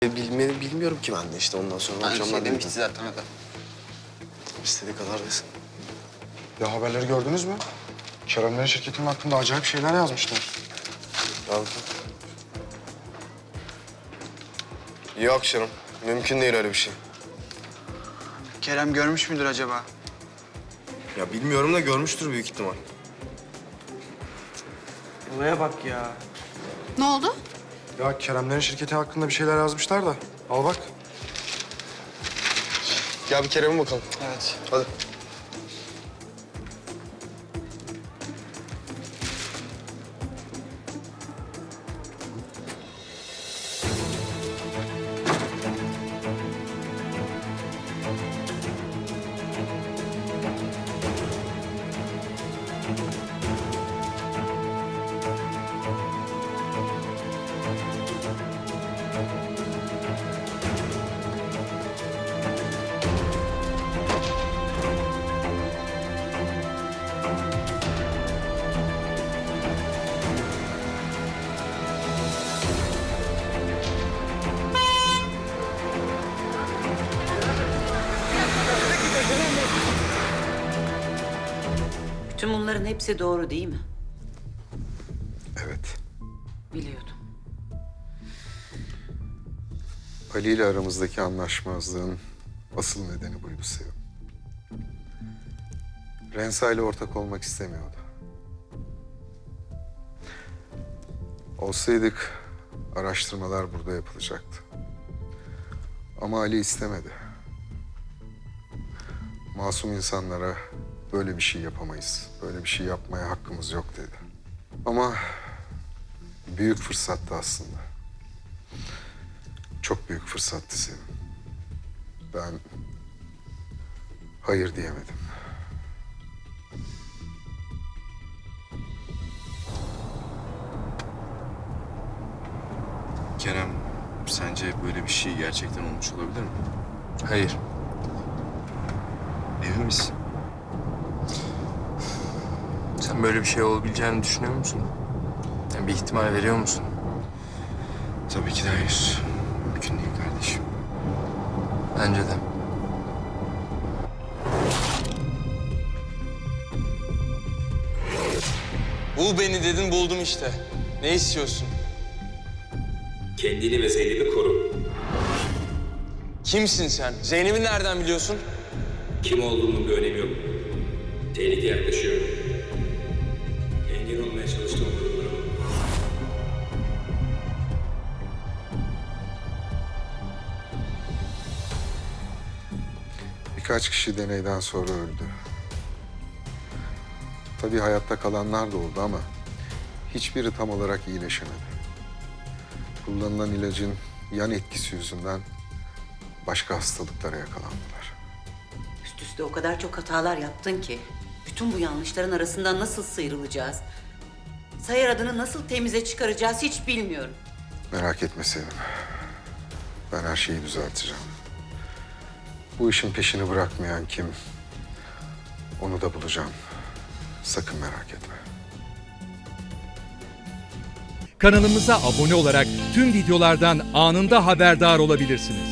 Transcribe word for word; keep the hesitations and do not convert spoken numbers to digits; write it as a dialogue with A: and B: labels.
A: Bilmi, bilmiyorum ki ben de işte ondan sonra
B: Ben
A: akşamlar
B: şey demişti zaten o da.
A: İstediği kadar desin.
C: Ya haberleri gördünüz mü? Keremlerin şirketinin hakkında acayip şeyler yazmışlar.
A: Tamam. Yok canım. Mümkün değil öyle bir şey.
B: Kerem görmüş müdür acaba?
A: Ya bilmiyorum da görmüştür büyük ihtimal.
B: Olaya bak ya.
D: Ne oldu?
C: Ya Keremlerin şirketi hakkında bir şeyler yazmışlar da. Al bak.
A: Gel bir Kerem'e bakalım.
B: Evet.
A: Hadi.
E: Bütün bunların hepsi doğru değil mi?
F: Evet.
E: Biliyordum.
F: Ali ile aramızdaki anlaşmazlığın asıl nedeni buydu Sevim. Rensa ile ortak olmak istemiyordu. Olsaydık araştırmalar burada yapılacaktı. Ama Ali istemedi. Masum insanlara böyle bir şey yapamayız, böyle bir şey yapmaya hakkımız yok dedi. Ama büyük fırsattı aslında. Çok büyük fırsattı Sevim. Ben hayır diyemedim.
G: Kerem, sence böyle bir şey gerçekten olmuş olabilir mi?
A: Hayır.
G: Emin misin?
H: Sen böyle bir şey olabileceğini düşünüyor musun? Yani bir ihtimal veriyor musun?
G: Tabii ki de hayır. Mümkün değil kardeşim.
H: Bence de.
I: Bul beni dedin, buldum işte. Ne istiyorsun?
J: Kendini ve Zeynep'i koru.
I: Kimsin sen? Zeynep'i nereden biliyorsun?
J: Kim olduğunun bir önemi yok. Tehlike yaklaşıyor. Engel olmaya çalıştığım durumlarım.
F: Birkaç kişi deneyden sonra öldü. Tabii hayatta kalanlar da oldu ama hiçbiri tam olarak iyileşemedi. Kullanılan ilacın yan etkisi yüzünden başka hastalıklara yakalandılar.
E: Üst üste o kadar çok hatalar yaptın ki. Bütün bu yanlışların arasından nasıl sıyrılacağız? Sayar adını nasıl temize çıkaracağız hiç bilmiyorum.
F: Merak etme Sevim. Ben her şeyi düzelteceğim. Bu işin peşini bırakmayan kim? Onu da bulacağım. Sakın merak etme.
K: Kanalımıza abone olarak tüm videolardan anında haberdar olabilirsiniz.